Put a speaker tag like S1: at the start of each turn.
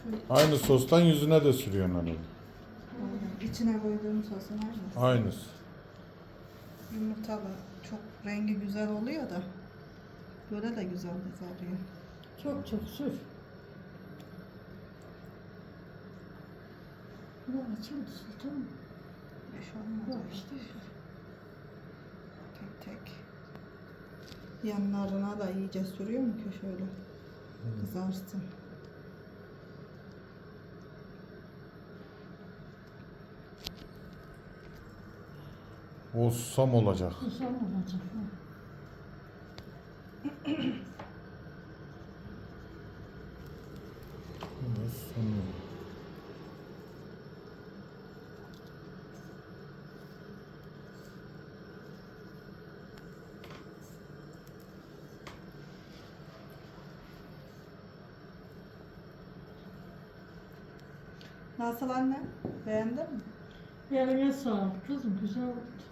S1: Aynı sostan yüzüne de sürüyorsun hani.
S2: Aynen. İçine koyduğum sosun aynısı.
S1: Aynısı.
S2: Yumurtalı. Çok rengi güzel oluyor da. Böyle de güzel kızarıyor.
S3: Çok çok sür. Bu açıldı tamam mı?
S2: Beş olmaz.
S3: Yok
S2: öyle.
S3: işte.
S2: Tek tek. Yanlarına da iyice sürüyor mu ki şöyle kızarsın.
S1: O susam olacak.
S3: Susam olacak.
S1: Susam.
S2: Nasıl anne? Beğendin mi?
S3: Eline sağlık kızım güzel oldu.